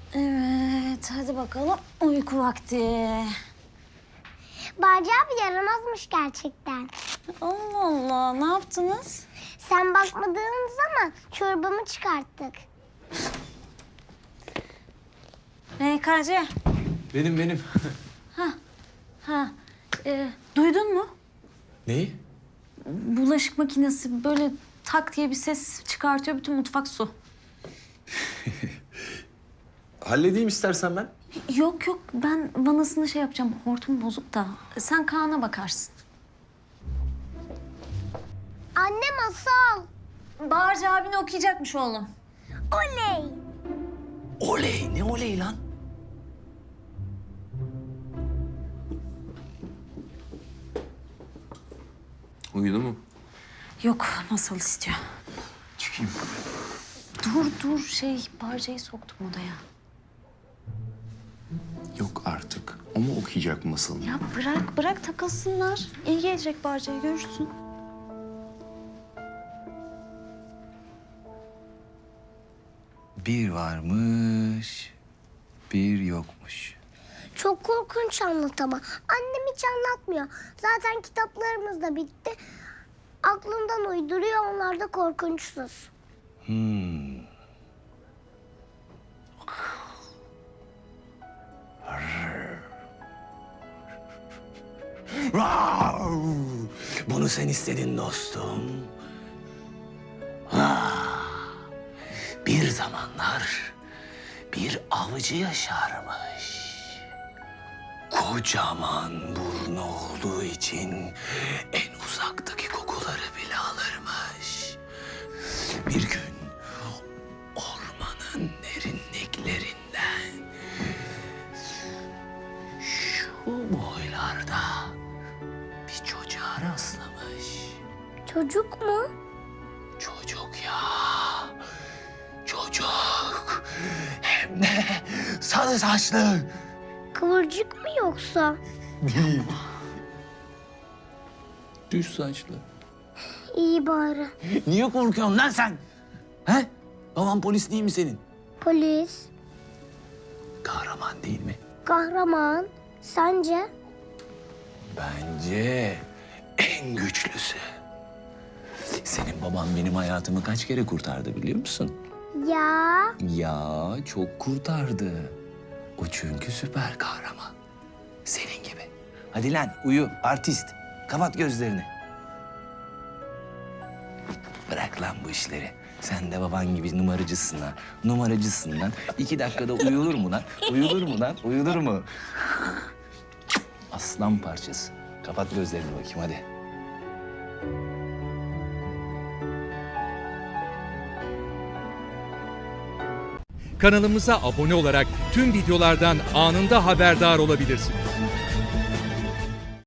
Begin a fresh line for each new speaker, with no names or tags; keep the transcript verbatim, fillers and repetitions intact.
Evet, hadi bakalım uyku vakti.
Barca abi yaramazmış gerçekten.
Allah Allah, ne yaptınız?
Sen bakmadığın zaman çorbamı çıkarttık.
M K C.
Benim benim.
Ha, e, duydun mu?
Neyi?
Bulaşık makinesi böyle tak diye bir ses çıkartıyor, bütün mutfak su.
Halledeyim istersen ben.
Yok yok, ben vanasını şey yapacağım, hortum bozuk da. Sen Kaan'a bakarsın.
Anne masal.
Bağırcı abini okuyacakmış oğlum.
Oley.
Oley, ne oley lan? Uyudu mu?
Yok, masal istiyor.
Çıkayım.
Dur dur, şey Bağırcı'yı soktum odaya.
Yok artık. O mu okuyacak masalını?
Ya bırak bırak takılsınlar. İyi gelecek Bağırcı'ya, görürsün.
Bir varmış, bir yokmuş.
Çok korkunç anlat ama. Annem hiç anlatmıyor. Zaten kitaplarımız da bitti. Aklından uyduruyor, onlar da korkunçsuz.
Hmm. Bunu sen istedin dostum. Ah, bir zamanlar bir avcı yaşarmış. Kocaman burnu olduğu için en uzaktaki kokuları bile alırmış. Bir gün ormanın derinliklerinden şu boylarda bir çocuğa rastlamış.
Çocuk mu?
Çocuk ya. Çocuk. Hem de sarı saçlı.
Kıvırcık mı yoksa?
Değil. Düz saçlı.
İyi bari.
Niye korkuyorsun lan sen? He? Baban polis değil mi senin?
Polis,
Kahraman değil mi?
kahraman. Sence?
Bence en güçlüsü. Senin baban benim hayatımı kaç kere kurtardı biliyor musun?
Ya.
Ya çok kurtardı. O çünkü süper kahraman. Senin gibi. Hadi lan uyu artist. Kapat gözlerini. Bırak lan bu işleri. Sen de baban gibi numaracısın lan. Numaracısın lan. İki dakikada uyulur mu lan? Uyulur mu lan? Uyulur mu? Aslan parçası. Kapat gözlerini bakayım hadi.
Kanalımıza abone olarak tüm videolardan anında haberdar olabilirsiniz.